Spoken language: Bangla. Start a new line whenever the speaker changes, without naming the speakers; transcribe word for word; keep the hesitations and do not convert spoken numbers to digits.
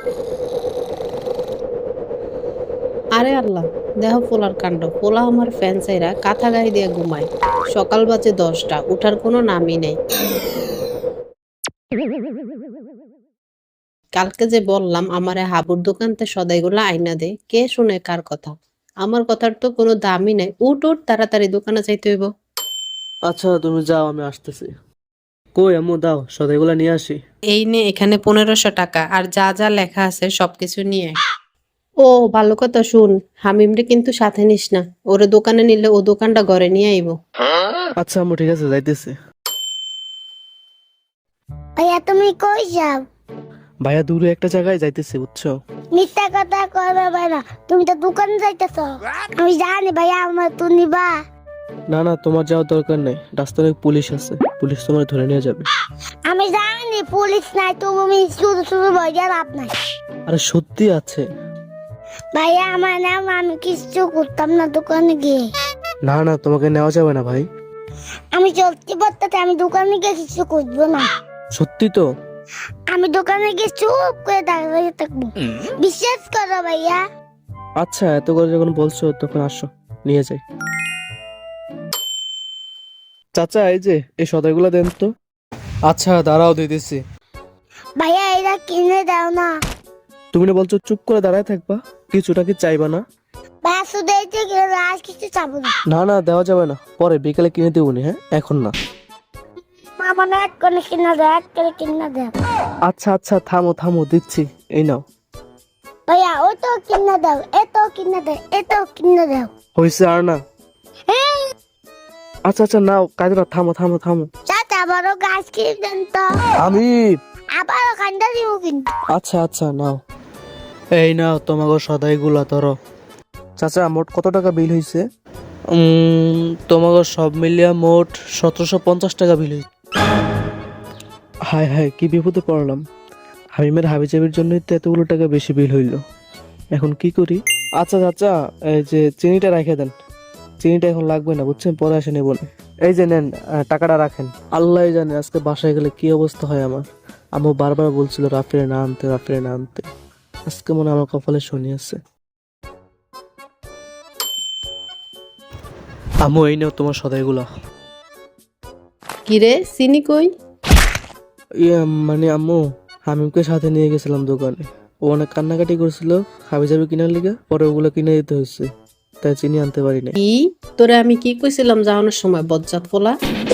আরে আল্লাহ, দেহ পোলার কাণ্ড। পোলা আমার ফ্যান চাইরা কাঁথা গায়ে দিয়ে ঘুমায়। সকাল বাজে দশটা, উঠার কোনো নামই নেই। কালকে যে বললাম আমারে হাবুর দোকানতে সদাইগুলা আইনা দে, কে শুনে কার কথা? আমার কথার তো কোনো দামই নাই। উঠ উঠ, তাড়াতাড়ি দোকানে যাইতে হইব।
আচ্ছা তুমি যাও, আমি আসতেছি। কই আম্মু, দাও সদাইগুলা নিয়ে আসি।
এই নে, এখানে পনেরোশো টাকা, আর যা যা লেখা আছে সবকিছু নিয়ে আয়। ও ভালো কথা, শুন, হামিমরে কিন্তু সাথে নিস না। ওরে দোকানে নিলে ও দোকানটা ঘরে নিয়ে আইব।
আচ্ছা আম্মু, ঠিক আছে, যাইতেছি।
ভাইয়া তুমি কই যাও?
ভাইয়া দূরে একটা জায়গায় যাইতেছি, বুঝছো?
মিথ্যা কথা কইবে ভাইয়া, তুমি তো দোকানে যাইতেছ। আমি জানি ভাইয়া, আমার তো নিবা।
না না, তোমার যাওয়ার দরকার নেই, রাস্তায় অনেক পুলিশ আছে, পুলিশ তোমার ধরে নিয়ে যাবে।
আমি জানি পুলিশ নাই, তুমি শুধু শুধু ভাইয়া লাভ নাই।
আরে সত্যি আছে।
ভাইয়া আমার নাম, আমি কিছু করতাম না দোকানে গিয়ে।
না না, তোমাকে নেওয়া যাবে না ভাই।
আমি চলতে পারতে, আমি দোকানে গিয়ে কিছু করবো না।
সত্যি তো?
আমি দোকানে গিয়ে চুপ করে দাঁড়িয়ে থাকবো। বিশ্বাস করো ভাইয়া।
আচ্ছা, এত করে যখন বলছো তখন আসো, নিয়ে যাই। চাচা, এই যে এই সদাইগুলা দেন তো। আচ্ছা দাঁড়াও, দিতেছি।
ভাইয়া এরা কিনে দাও না।
তুমি না বলছো চুপ করে দাঁড়ায় থাকবা, কিছুটা কি চাইবা না?
ভাইয়া শুধু এই যে কিনে দাও, আর কিছু চাবো না।
না না, দেওয়া যাবে না, পরে বিকেলে কিনে দেবনি, হ্যাঁ এখন না।
মামা না এক করে কিনে দাও, এক করে কিনে দাও।
আচ্ছা আচ্ছা, থামো থামো, দিচ্ছি, এই নাও।
ভাইয়া ওই তো কিনে দাও, এত কিনে দাও, এত কিনে দাও।
হয়েছে আর না?
হ্যাঁ,
আচ্ছা আচ্ছা, নাও, কাজে না, থামো থামো থামো।
চাচা আবারও গাছ কিনে দেন তো।
আমি
আবারও খান্ডা দিব কিন্তু।
আচ্ছা আচ্ছা, নাও, এই নাও তোমাকে সদাইগুলা ধরো। চাচা, মোট কত টাকা বিল হয়েছে? তোমাকে সব মিলিয়া মোট সতেরোশো পঞ্চাশ টাকা বিল হয়েছে। হায় হায়, কি বিপদে পড়লাম। হামিমের হাবিজাবির জন্যই তো এতগুলো টাকা বেশি বিল হইল। এখন কি করি? আচ্ছা চাচা, এই যে চিনিটা রেখে দেন। চিনিটা এখন লাগবে না, বুঝছেন, পরে এসে নেব না। এই যে নেন, আহ, টাকাটা রাখেন। আল্লাহ জানে আজকে বাসায় গেলে কি অবস্থা হয় আমার। আম্মু বারবার বলছিল রাফিরে না আনতে, রাফিরে না আনতে। আজকে মনে হয় আমার কপালে শনি আছে। আম্মু, এই নাও তোমার সদাইগুলা।
কিরে, চিনি কই?
ইয়ে মানে আম্মু, হামিমকে সাথে নিয়ে গেছিলাম দোকানে। ও অনেক কান্নাকাটি করছিল হাবিজাবি কিনার লিগে, পরে ওগুলো কিনে দিতে হয়েছে, তাই চিনি আনতে পারি নাই।
কি তোরে আমি কি কইছিলাম যাওয়ানোর সময়, বজ্জাত পোলা?